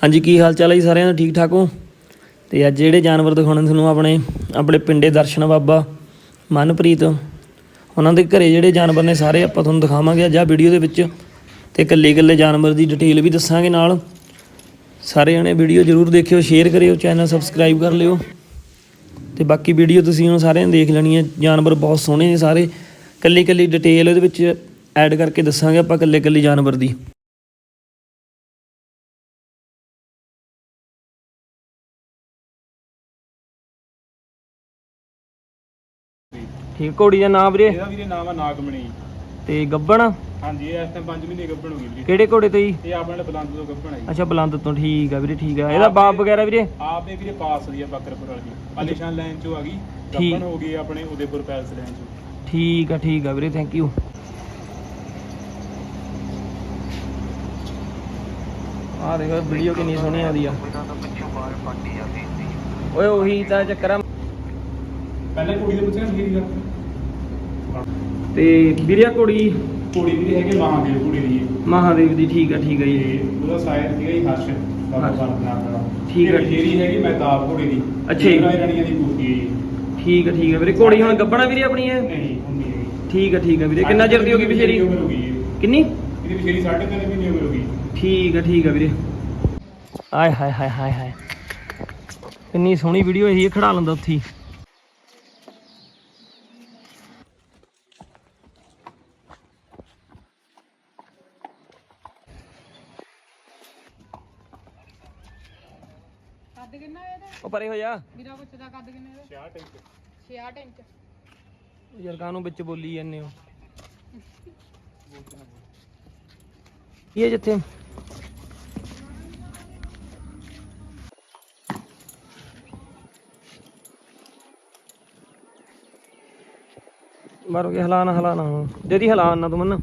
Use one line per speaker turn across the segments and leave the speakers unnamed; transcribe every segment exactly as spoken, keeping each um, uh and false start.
हाँ जी, की हाल चाल है जी सारिਆਂ ਦਾ? ठीक ठाक हो? तो अज ਜਿਹੜੇ जानवर दिखाने ਤੁਹਾਨੂੰ ਆਪਣੇ ਆਪਣੇ ਪਿੰਡੇ ਦਰਸ਼ਨ ਬਾਬਾ ਮਨਪ੍ਰੀਤ ਉਹਨਾਂ ਦੇ ਘਰੇ ਜਿਹੜੇ ਜਾਨਵਰ ਨੇ ਸਾਰੇ ਆਪਾਂ ਤੁਹਾਨੂੰ ਦਿਖਾਵਾਂਗੇ ਅੱਜ ਆ ਵੀਡੀਓ ਦੇ ਵਿੱਚ ਤੇ ਇਕੱਲੇ ਇਕੱਲੇ ਜਾਨਵਰ ਦੀ ਡਿਟੇਲ ਵੀ ਦੱਸਾਂਗੇ ਨਾਲ। ਸਾਰੇ ਜਣੇ ਵੀਡੀਓ ਜ਼ਰੂਰ ਦੇਖਿਓ, ਸ਼ੇਅਰ ਕਰਿਓ, ਚੈਨਲ ਸਬਸਕ੍ਰਾਈਬ ਕਰ ਲਿਓ ਤੇ ਬਾਕੀ ਵੀਡੀਓ ਤੁਸੀਂ ਹੁਣ ਸਾਰਿਆਂ ਨੇ ਦੇਖ ਲੈਣੀ ਹੈ। ਜਾਨਵਰ ਬਹੁਤ ਸੋਹਣੇ ਨੇ ਸਾਰੇ, ਇਕੱਲੀ ਇਕੱਲੀ ਡਿਟੇਲ ਇਹਦੇ ਵਿੱਚ ਐਡ ਕਰਕੇ ਦੱਸਾਂਗੇ ਆਪਾਂ ਇਕੱਲੇ ਇਕੱਲੇ ਜਾਨਵਰ ਦੀ। ठीक, घोड़ी का नाम वीरे?
ਇਹਦਾ ਵੀਰੇ ਨਾਮ ਆ ਨਾਗਮਣੀ
ते गब्बन?
ਹਾਂਜੀ ਇਹ ਇਸ ਟਾਈਮ ਪੰਜ ਮਹੀਨੇ ਗੱਭਣ ਹੋ ਗਈ ਵੀਰੇ।
ਕਿਹੜੇ ਘੋੜੇ ਤੋਂ ਜੀ?
ਇਹ ਆਪਣੇ ਬਲੰਦ ਤੋਂ ਗੱਭਣ ਆ ਜੀ।
ਅੱਛਾ, ਬਲੰਦ ਤੋਂ। ਠੀਕ ਆ ਵੀਰੇ, ਠੀਕ ਆ। ਇਹਦਾ ਬਾਪ ਵਗੈਰਾ ਵੀਰੇ?
ਆਪ ਇਹ ਵੀਰੇ ਪਾਸ ਦੀ ਆ ਬੱਕਰਪੁਰ ਵਾਲੀ, ਆਲੀਸ਼ਾਨ ਲਾਈਨ ਚੋਂ ਆ ਗਈ।
ਠੀਕ।
ਗੱਭਣ ਹੋ ਗਈ ਆਪਣੇ ਉਦੇਪੁਰ ਪੈਲਸ ਲਾਈਨ ਚੋਂ।
ਠੀਕ ਆ, ਠੀਕ ਆ ਵੀਰੇ, ਥੈਂਕ ਯੂ। ਆ ਦੇਖੋ ਵੀਡੀਓ ਕਿੰਨੀ ਸੋਹਣੀ ਆਉਂਦੀ ਆ। ਓਏ ਉਹੀ ਤਾਂ ਚੱਕਰ ਆ।
ਪਹਿਲੇ ਕੁੜੀ ਦੇ ਪੁੱਛਿਆ ਮੇਰੀ ਗੱਲ
ਤੇ ਵੀਰੇ ਘੋੜੀ
ਕੁੜੀ ਵੀਰੇ ਹੈਗੇ ਮਹਾਦੇਵ ਕੁੜੀ ਦੀ ਇਹ।
ਮਹਾਦੇਵ ਦੀ। ਠੀਕ ਆ, ਠੀਕ ਆ ਜੀ।
ਤੇ ਉਹਦਾ ਸਾਇਰ ਸੀਗਾ ਜੀ ਹਰਸ਼ ਬਾਬਾ
ਹਰਸ਼।
ਬਾਲਕਨਾਥ ਦਾ।
ਠੀਕ ਆ।
ਜਿਹੜੀ ਹੈਗੀ ਮਹਿਤਾਬ ਕੁੜੀ ਦੀ।
ਅੱਛਾ ਜੀ।
ਰਾਣੀ ਰਾਣੀਆਂ ਦੀ ਕੁੜੀ ਹੈ ਜੀ।
ਠੀਕ ਆ, ਠੀਕ ਆ ਵੀਰੇ। ਘੋੜੀ ਹੁਣ ਗੱਭਣਾ ਵੀਰੇ ਆਪਣੀ ਹੈ?
ਨਹੀਂ ਹੁੰਦੀ ਹੈਗੀ।
ਠੀਕ ਆ, ਠੀਕ ਆ ਵੀਰੇ। ਕਿੰਨਾ ਚਿਰ ਦੀ ਹੋ ਗਈ ਬਸ਼ੇਰੀ?
ਉਮਰ ਹੋ ਗਈ ਇਹ।
ਕਿੰਨੀ?
ਇਹਦੀ ਬਸ਼ੇਰੀ ਸਾਢੇ ਤਿੰਨ ਮਹੀਨੇ ਉਮਰ ਹੋ ਗਈ।
ਠੀਕ ਆ, ਠੀਕ ਆ ਵੀਰੇ। ਆਏ ਹਾਏ ਹਾਏ ਹਾਏ ਹਾਏ, ਕਿੰਨੀ ਸੋਹਣੀ ਵੀਡੀਓ ਇਹੀ ਖੜਾ ਲੈਂਦਾ ਉੱਥੇ।
ਕੱਦ ਕਿੰਨਾ ਇਹਦਾ?
ਉਹ ਪਰੇ ਹੋ ਜਾ
ਵੀਰਾ ਬੱਚੇ ਦਾ ਕੱਦ ਕਿੰਨਾ ਇਹਦਾ?
ਛਿਆਹਠ ਇੰਚ।
ਛਿਆਹਠ ਇੰਚ।
ਯਾਰ ਕਾਹਨੂੰ ਵਿੱਚ ਬੋਲੀ ਜਾਂਦੇ ਹੋ? ਇਹ ਜਿੱਥੇ ਮਾਰੋ ਕੇ ਹਲਾਣਾ ਹਲਾਣਾ ਜਦੀ ਹਲਾਣ ਨਾ ਤੂੰ ਮਨ।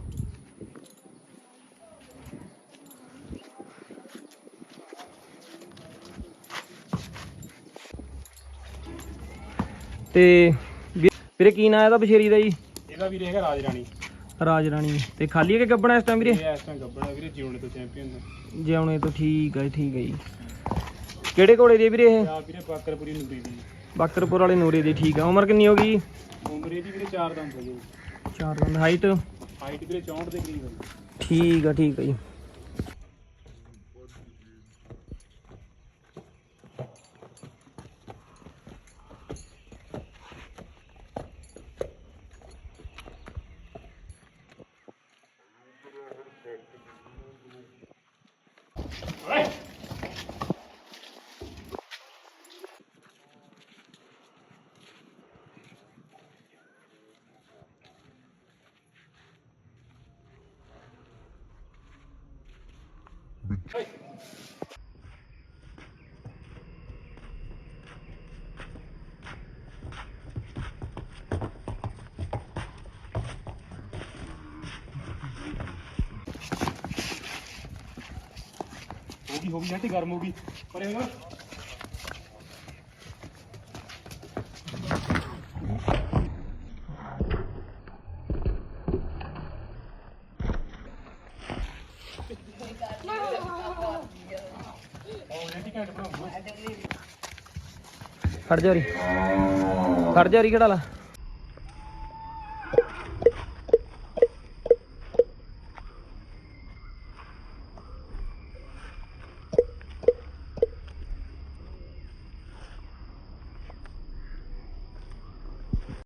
ਤੇ ਵੀਰੇ ਕੀ ਨਾਂ ਇਹਦਾ ਬਸ਼ੇਰੀ ਦਾ ਜੀ?
ਇਹਦਾ ਵੀਰੇ ਹੈਗਾ ਰਾਜ ਰਾਣੀ।
ਰਾਜ ਰਾਣੀ। ਤੇ ਖਾਲੀ ਹੈ ਕਿ ਗੱਬਣਾ ਇਸ ਟਾਈਮ ਵੀਰੇ?
ਇਹ ਇਸ ਟਾਈਮ ਗੱਭਣ ਆ ਵੀਰੇ, ਜਿਉਣੇ ਤੋਂ ਚੈਂਪੀਅਨ ਦਾ।
ਜਿਉਣੇ ਤੋਂ। ਠੀਕ ਹੈ, ਠੀਕ ਹੈ ਜੀ। ਕਿਹੜੇ ਘੋੜੇ ਦੀ ਵੀਰੇ ਇਹ?
ਆ ਵੀਰੇ ਬਾਕਰਪੁਰੀ ਨੂਰੀ ਦੀ।
ਬਾਕਰਪੁਰ ਵਾਲੇ ਨੂਰੇ ਦੀ। ਠੀਕ ਆ। ਉਮਰ ਕਿੰਨੀ ਹੋ ਗਈ?
ਉਮਰ ਇਹਦੀ ਵੀਰੇ ਚਾਰ ਦੰਦ ਹੋਈ।
ਚਾਰ ਦੰਦ। ਹਾਈਟ?
ਹਾਈਟ ਵੀਰੇ ਚੌਂਹਠ ਦੇ ਕਰੀਬ ਹੋਈ।
ਠੀਕ ਆ, ਠੀਕ ਆ ਜੀ।
ਹੋਗੀ ਹੋਗੀ ਜੱਟੀ ਗਰਮ ਹੋਗੀ ਪਰੇ ਹੋ।
ਖੜ ਜਾ ਰੀ, ਖੜ ਜਾ ਰੀ, ਖੜਾ ਲਾ।